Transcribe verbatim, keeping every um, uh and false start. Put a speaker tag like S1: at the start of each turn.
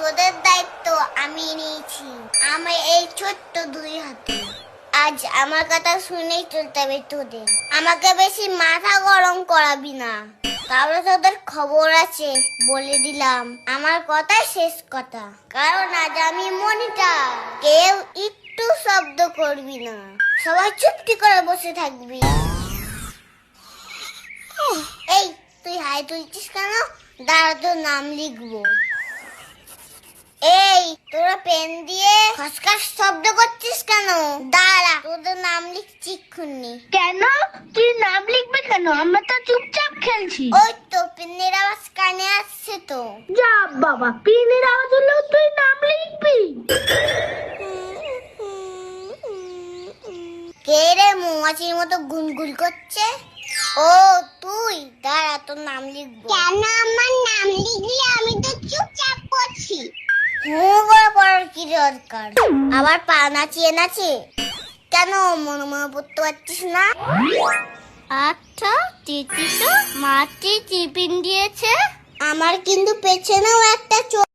S1: তোদের দায়িত্ব আমি নিয়েছি। আমি এই ছোট্ট দুই হাতে আজ আমার কথা শুনেই চলতে হবে তোদের। আমাকে বেশি মাথা গরম করাবি না, তাহলে তোদের খবর আছে বলে দিলাম। আমার কথা শেষ কথা, কারণ আজ আমি মনিটর। কেউ একটু শব্দ করবি না, সবাই চুপটি করে বসে থাকবি। এই তুই হাই তুলছিস কেন? দাঁড়া, তোর নাম লিখবো। এই তোরা পেন দিয়ে খসখস শব্দ করছিস কেন? দাঁড়া, তোদের নাম লিখছি এক্ষুনি।
S2: কেন তুই নাম লিখবি কেন? আমরা তো চুপচাপ খেলছি।
S1: ওই তো পেনের আওয়াজ কানে আসছে তো।
S2: যা বাবা, পিনের আওয়াজ হলেও তুই নাম লিখবি?
S1: কে রে মৌমাছির মতো গুনগুন করছে? ও তুই, দাঁড়া তোর নাম লিখবো। কেন আমার নাম লিখলি? আমি তো চুপচাপ করছি। হুঁ করে পড়ার কি দরকার? আবার পা নাচিয়ে নাচে কেন? মনে মনে পড়তে পারছিস না?
S2: আচ্ছা, চিঠি তো মাটি টিফিন দিয়েছে।
S1: আমার কিন্তু পেছনেও একটা